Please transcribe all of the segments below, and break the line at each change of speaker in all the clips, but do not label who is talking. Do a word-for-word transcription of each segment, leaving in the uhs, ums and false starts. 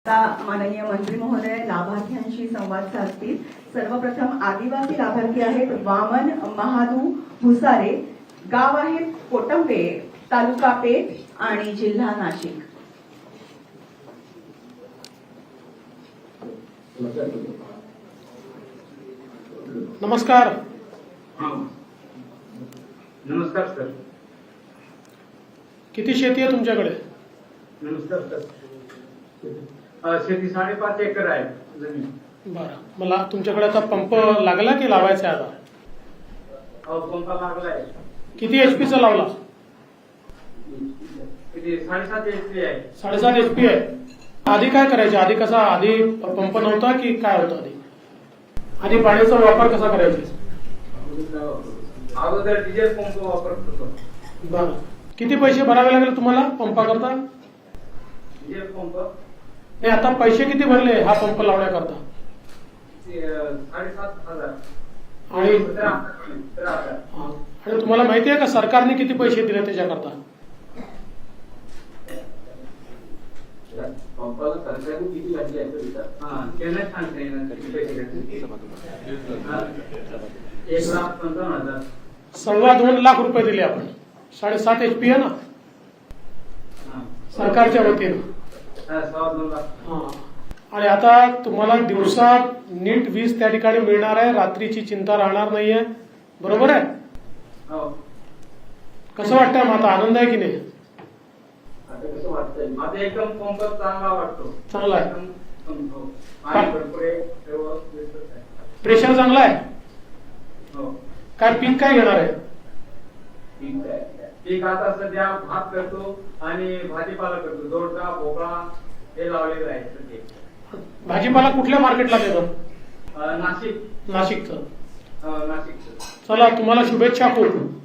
आता माननीय मंत्री महोदय लाभार्थ्यांशी संवाद साधतील। सर्वप्रथम आदिवासी लाभार्थी आहेत वामन महादू भुसारे, गाव आहे कोटंबे, तालुका पेठ आणि जिल्हा नाशिक।
नमस्कार।
नमस्कार सर।
किती शेती आहे तुमच्याकडे?
नमस्कार सर। शेती साडेपाच एकर आहे जमीन।
बरं, मला तुमच्याकडे आता पंप लागला की लावायचा आहे आता?
अहो पंप लागलाय।
किती एचपीचा लावला?
किती? साडेसात एचपी आहे।
साडेसात एचपी आहे। आधी काय करायचे? आधी कसा आधी पंप नव्हता की काय होतं? आधी आधी पाण्याचा वापर कसा करायचा?
अगोदर डिझेल पंप वापरत होतो।
बरं, किती पैसे भरावे लागले तुम्हाला पंपा करता?
डिझेल पंप
नाही, आता पैसे किती भरले हा पंप लावण्याकरता?
साडेसात हजार
आणि
सतरा हजार।
आणि तुम्हाला माहिती आहे का सरकारने किती पैसे दिले त्याच्याकरता?
पंपाला सरकारने किती घातली आहे?
हा त्यांना सांगता येणार किती पैसे घेतले। एक लाख पंचावन्न हजार
सव्वा दोन लाख रुपये दिले आपण। साडेसात एचपी आहे ना सरकारच्या वतीनं।
सव्वा दोन लाख।
हा, आणि आता तुम्हाला दिवसा नीट वीज त्या ठिकाणी मिळणार आहे, रात्रीची चिंता राहणार नाहीये, बरोबर आहे?
हो।
कसं वाटतंय मग आता? आनंद आहे की नाही?
आता कसं वाटतंय?
माझा एकदम पंप चांगला वाटतो।
चांगला आहे।
एकदम हो, पाणी भरपूर आहे, सर्व व्यवस्थित आहे।
प्रेशर चांगला आहे?
हो।
काय पीक काय घेणार आहे?
ठीक आहे।
पीक आता सध्या भात करतो आणि भाजीपाला करतो। दोडका, भोपळा हे लावलेलं आहे सध्या।
भाजीपाला कुठल्या मार्केटला देतो?
अं, नाशिक
नाशिकचं।
अं, नाशिकचं।
चला, तुम्हाला शुभेच्छा खूप।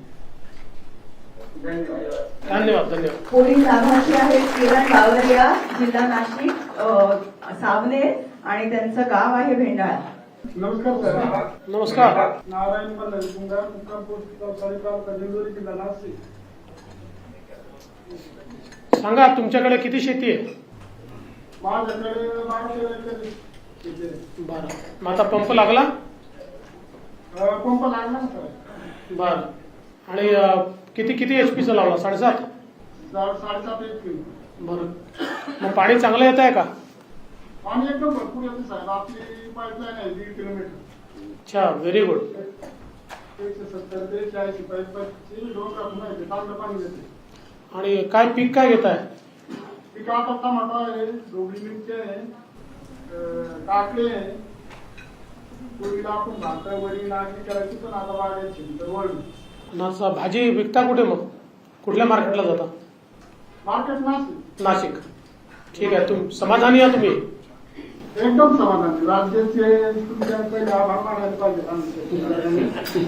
धन्यवाद।
धन्यवाद धन्यवाद।
पुढील लाभार्थी आहेत किरण बावरिया, जिल्हा नाशिक, अ, सावनेर आणि त्यांचं गाव आहे भेंडाळा।
नमस्कार सर।
नमस्कार।
नारायण पल्लवी कुंभार, मुक्काम पोस्ट चौसारी तालुका दिंडोरी जिल्हा नाशिक।
सांगा, तुमच्याकडे किती शेती आहे?
माझ्याकडे बाराशे एकर शेती आहे।
बरं, मग आता पंप लागला?
अं, पंप लागला ना सर?
बरं, आणि अं, किती किती एचपीचा लावला? साडेसात?
साडे साडेसात एक किलो।
बरं, मग पाणी चांगलं येत आहे का?
पाणी एकदम भरपूर येते साहेब। आपली पाईपलाईन आहे दीड किलोमीटर।
अच्छा, व्हेरी गुड।
एकशे सत्तर ते चाळीस पाईपची दोन राखून आहे, चांगलं पाणी देते।
आणि काय पीक काय घेत आहे?
पिका आता टमाटा आहे, ढोबळी मिरची आहे, अं, काकडी आहे। पूर्वीला आपण भात वडी नागरी करायची, पण आता वाढायची तर वळली।
नाचा भाजी विकता कुठे मग? कुठल्या मार्केटला जाता?
मार्केट नाशिक।
नाशिक। ठीक आहे, तुम समाधानी आहे तुम्ही?
एकदम समाधानी। राज्याचे तुमच्या पहिले आभार मानायला पाहिजे आमचे।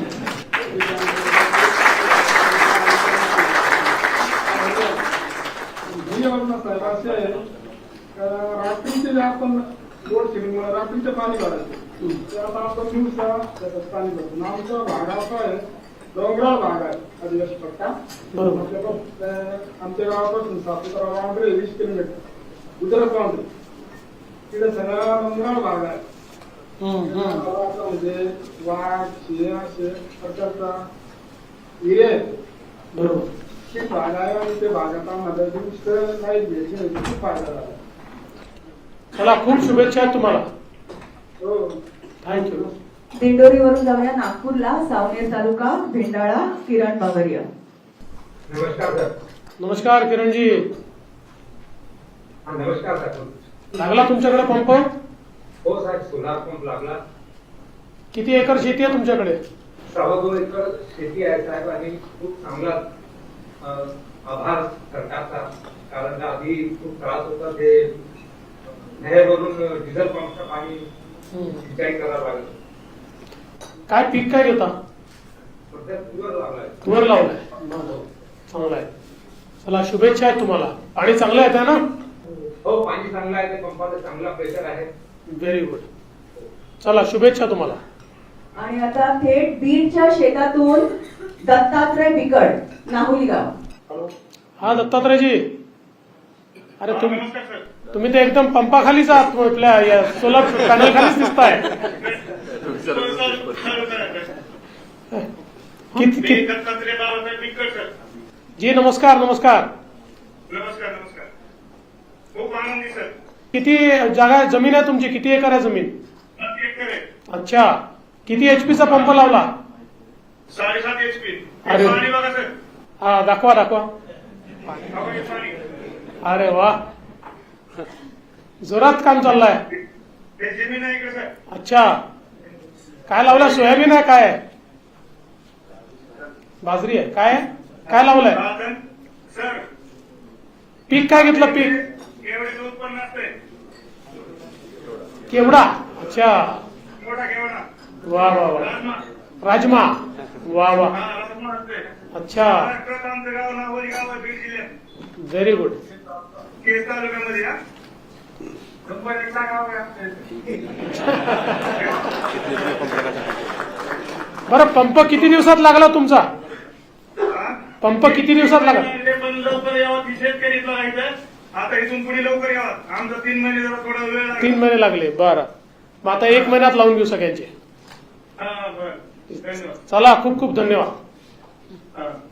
साहेब असे आहे रात्रीचे जे आपण लोड शेडिंगमुळे रात्रीचं पाणी भरायचं, ते आता आपण दिवसा त्याच्यात पाणी भरतो। आमचा भाग असा आहे, डोंगराळ भाग आहे आदिवासी पट्टा।
बरोबर।
आमच्या गावापासून सापुतारा बाउंड्री वीस किलोमीटर गुजरात बाउंड्री, तिथे सगळा डोंगराळ भाग आहे। म्हणजे वाघ, सिंह असे प्रकारचा हिरे
बरोबर।
खूप फायदा आहे आणि ते भागात आम्हाला दिवस नाही घ्यायची, खूप फायदा झाला।
चला, खूप शुभेच्छा आहेत तुम्हाला।
हो,
थँक्यू।
दिंडोरीवरून जाऊया नागपूरला, सावनेर तालुका भेंडाळा, किरण बावरिया।
नमस्कार सर।
नमस्कार किरणजी।
हा, नमस्कार सर।
लागला तुमच्याकडे पंप?
हो साहेब, सोलार पंप लागला।
किती एकर शेती आहे तुमच्याकडे?
सव्वा दोन एकर शेती आहे साहेब, आणि खूप चांगला अं, आभार सरकारचा, कारण आधी खूप त्रास होता ते नहेरवरून डिझेल पंपचं पाणी सिंचाई करावं लागलं।
काय पीक काय घेता?
सध्या तुवर लागलाय।
तुवर लावलाय? चांगला आहे। चला, शुभेच्छा आहेत तुम्हाला। पाणी चांगलं येत आहे ना?
हो, पाणी चांगलं आहे, ते पंपाला चांगला प्रेशर आहे।
Very good. चला, शुभेच्छा तुम्हाला।
आणि आता थेट बीडच्या शेतातून दत्तात्रय बिकड, नाहुली गाव।
हा दत्तात्रयजी, अरे तुम तुम्ही तर एकदम पंपाखालीच आहात आपल्या या सोलर पॅनल खालीच दिसताय. किती किती जी नमस्कार नमस्कार
नमस्कार नमस्कार खूप आनंदी सर.
किती जागा जमीन आहे तुमची? किती एकर आहे जमीन?
सात एकर आहे.
अच्छा, किती एचपीचा पंप लावला?
साडेसात एच पी.
अरे.
पाणी बघा सर.
हा दाखवा दाखवा.
अहो, हे पाणी.
अरे वा, जोरात काम चाललंय.
हे जमीन आहे का सर?
अच्छा, काय लावलं? सोयाबीन आहे काय आहे? बाजरी आहे काय आहे? काय लावलंय?
साधन सर.
पीक काय घेतलं? पीक
केवढे उत्पन्न असते?
केवडा. अच्छा,
मोठा केवढा.
वा वा वा.
राजमा.
राजमा. वा वा.
हा राजमा असते.
अच्छा,
महाराष्ट्रात आमचं गाव नागोली गाव आहे, बीड जिल्ह्यात.
Very good.
केस तालुक्यामध्ये हा. कंपनीचा गाव आहे आमचं.
बरं, पंप किती दिवसात लागला तुमचा?
हा?
पंप किती दिवसात लागला?
ते पण लवकर यावं ती शेतकरीच लागायचं. आता इथून पुढे लवकर यावं. आमचा तीन महिने जरा थोडा वेळ लागला.
तीन महिने लागले. बरं, मग आता एक महिन्यात लावून घेऊ सगळ्यांचे.
हा बरं धन्यवाद.
चला, खूप खूप धन्यवाद.
हा